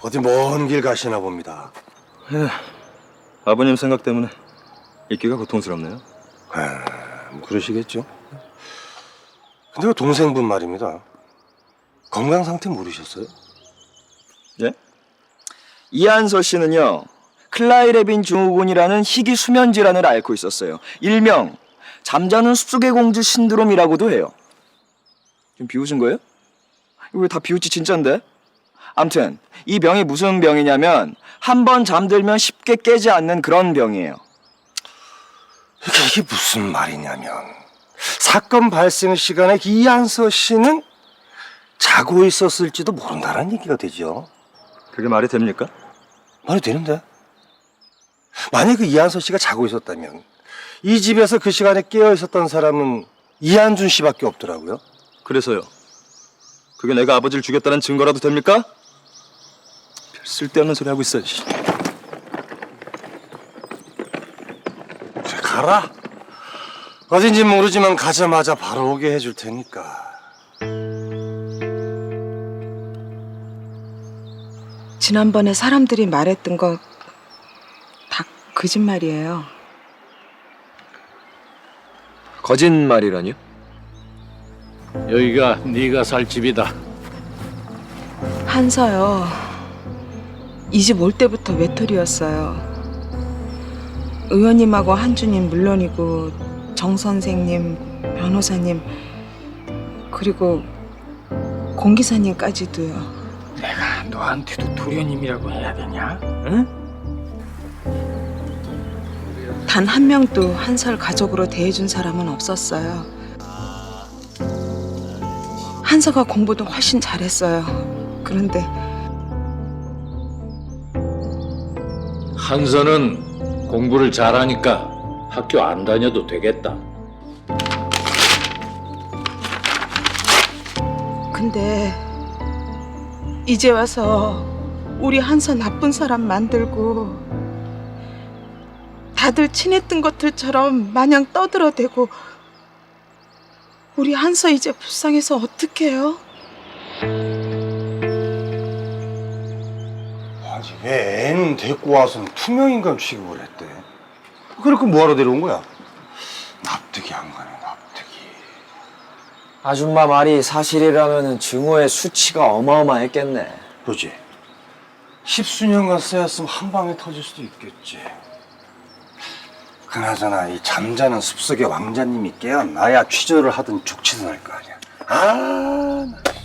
어디 먼 길 가시나 봅니다. 예, 아버님 생각 때문에 있기가 고통스럽네요. 뭐 그러시겠죠. 근데 그 동생분 말입니다. 건강 상태 모르셨어요? 예? 이한서 씨는요, 클라이레빈 증후군이라는 희귀 수면 질환을 앓고 있었어요. 일명 잠자는 숲속의 공주 신드롬이라고도 해요. 지금 비웃은 거예요? 이거 왜 다 비웃지 진짠데? 암튼 이 병이 무슨 병이냐면 한 번 잠들면 쉽게 깨지 않는 그런 병이에요. 이게 무슨 말이냐면 사건 발생 시간에 이한서 씨는 자고 있었을지도 모른다는 얘기가 되죠. 그게 말이 됩니까? 말이 되는데. 만약 그 이한서 씨가 자고 있었다면 이 집에서 그 시간에 깨어 있었던 사람은 이한준 씨밖에 없더라고요. 그래서요. 그게 내가 아버지를 죽였다는 증거라도 됩니까? 별 쓸데없는 소리 하고 있어. 그래, 가라. 어딘지 모르지만 가자마자 바로 오게 해줄 테니까. 지난번에 사람들이 말했던 거 다 거짓말이에요. 거짓말이라니요? 여기가 네가 살 집이다. 한서요. 이 집 올 때부터 외톨이였어요. 의원님하고 한주님 물론이고 정 선생님, 변호사님 그리고 공 기사님까지도요. 내가 너한테도 도련님이라고 해야 되냐? 응? 단 한 명도 한설 가족으로 대해준 사람은 없었어요. 한서가 공부도 훨씬 잘했어요. 그런데 한서는 공부를 잘하니까 학교 안 다녀도 되겠다. 근데 이제 와서 우리 한서 나쁜 사람 만들고 다들 친했던 것들처럼 마냥 떠들어대고 우리 한서 이제 불쌍해서 어떡해요? 아니 왜 애는 데리고 와서는 투명인간 취급을 했대? 그렇게 뭐하러 데려온 거야? 납득이 안 가네, 납득이. 아줌마 말이 사실이라면 증오의 수치가 어마어마했겠네. 그렇지. 십수년간 쌓였으면 한 방에 터질 수도 있겠지. 그나저나 이 잠자는 숲속의 왕자님이 깨어나야 취조를 하든 족치든 할 거 아니야. 아, 나.